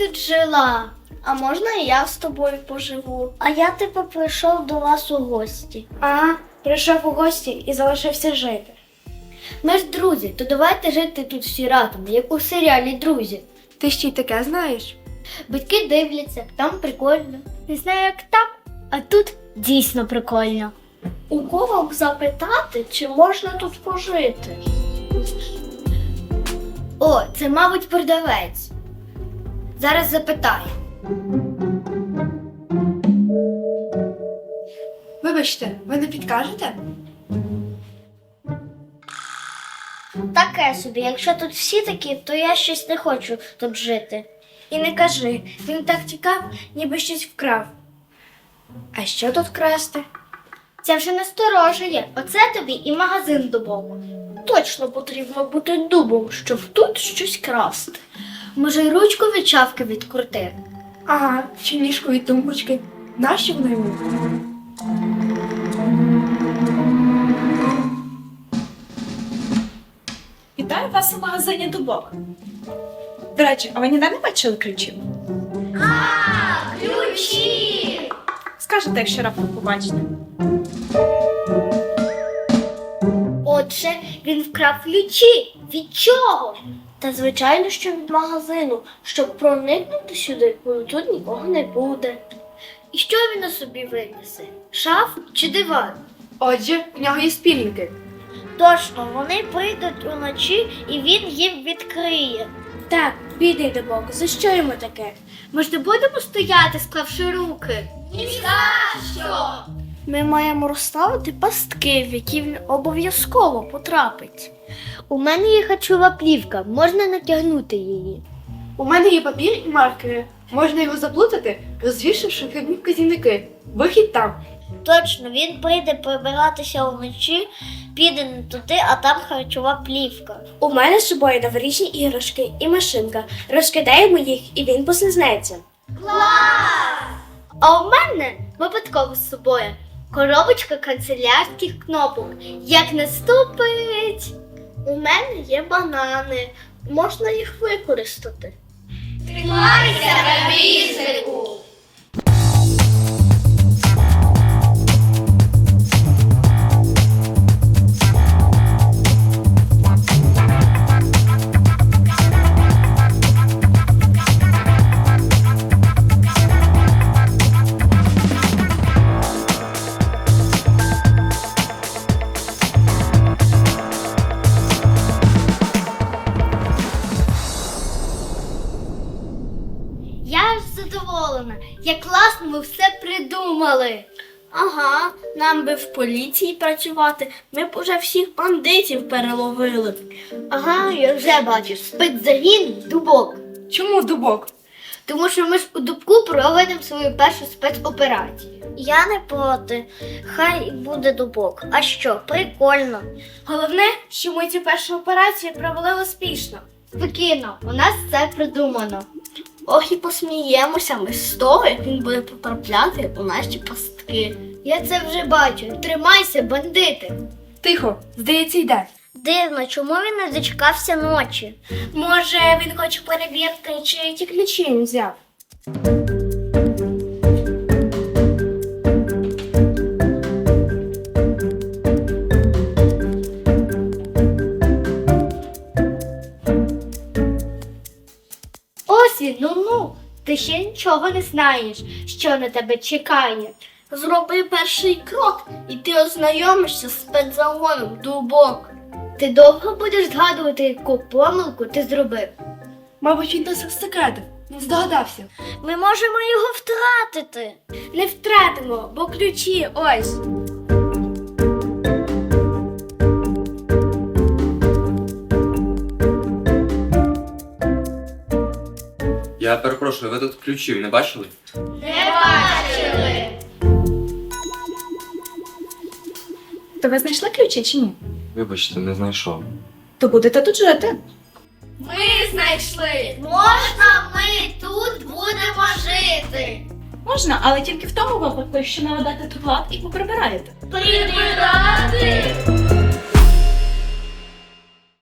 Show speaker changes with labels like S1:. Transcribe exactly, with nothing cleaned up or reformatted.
S1: тут жила. А можна і я з тобою поживу? А я типу прийшов до вас у гості.
S2: Ага, прийшов у гості і залишився жити.
S1: Ми ж друзі, то давайте жити тут всі разом, як у серіалі «Друзі».
S2: Ти ще й таке знаєш?
S1: Батьки дивляться, там прикольно. Не знаю, як там, а тут дійсно прикольно. У кого б запитати, чи можна тут пожити? О, це, мабуть, продавець. Зараз запитаю.
S2: Вибачте, ви не підкажете?
S1: Таке собі, якщо тут всі такі, то я щось не хочу тут жити.
S2: І не кажи, він так тікав, ніби щось вкрав. А що тут красти?
S1: Це вже насторожує. Оце тобі і магазин дубовий. Точно потрібно бути дубом, щоб тут щось красти. Може, й ручку від шафки відкрутити?
S2: Ага, чи ніжку від тумбочки. Нащо воно йому?
S3: Вітаю вас у магазині «Дубок». До речі, а ви ніде не бачили ключів?
S1: Ключі!
S3: Скажете, якщо раптом побачите.
S1: Отже, він вкрав ключі. Від чого? Та звичайно, що від магазину. Щоб проникнути сюди, бо тут нікого не буде. І що він на собі винесе? Шаф чи диван?
S2: Отже, в нього є спільники.
S1: Точно, вони прийдуть уночі і він їм відкриє.
S2: Так, бідний Дубок, за що йому таке?
S1: Ми ж не будемо стояти, склавши руки. Ні за що! Ми маємо розставити пастки, в які він обов'язково потрапить. У мене є харчова плівка, можна натягнути її.
S2: У мене є папір і маркери. Можна його заплутати, розвішавши хибні вказівники. Вихід там.
S1: Точно, він прийде прибиратися вночі, піде не туди, а там харчова плівка.
S2: У мене з собою новорічні іграшки і машинка. Розкидаємо їх, і він послизнеться.
S1: А у мене випадково з собою коробочка канцелярських кнопок. Як наступить, у мене є банани. Можна їх використати. Тримайся, ревізику! Я ж задоволена, як класно ми все придумали. Ага, нам би в поліції працювати, ми б уже всіх бандитів переловили. Ага, я вже бачу, спецзагін Дубок.
S3: Чому «Дубок»?
S1: Тому що ми ж у Дубку проведемо свою першу спецоперацію. Я не проти, хай буде Дубок. А що, прикольно.
S2: Головне, що ми цю першу операцію провели успішно.
S1: Спокійно, у нас все придумано. Ох і посміємося ми з того, як він буде потрапляти у наші пастки. Я це вже бачу. Тримайся, бандити.
S2: Тихо, здається, йде.
S1: Дивно, чому він не дочекався ночі?
S2: Може, він хоче перевірити, чи ті ключі він взяв.
S1: Ось він, ну-ну, ти ще нічого не знаєш, що на тебе чекає. Зроби перший крок, і ти ознайомишся з спецзагоном Дубок. Ти довго будеш згадувати, яку помилку ти зробив?
S2: Мабуть, він досить секретив. Він здогадався.
S1: Ми можемо його втратити.
S2: Не втратимо, бо ключі ось.
S4: Я перепрошую, ви тут ключів не бачили?
S1: Не бачили.
S3: То ви знайшли ключі чи ні?
S4: Вибачте, не знайшов.
S3: То будете тут жити.
S1: Ми знайшли. Можна ми тут будемо жити?
S3: Можна, але тільки в тому випадку, якщо наведете тут лад і поприбираєте.
S1: Прибираємо.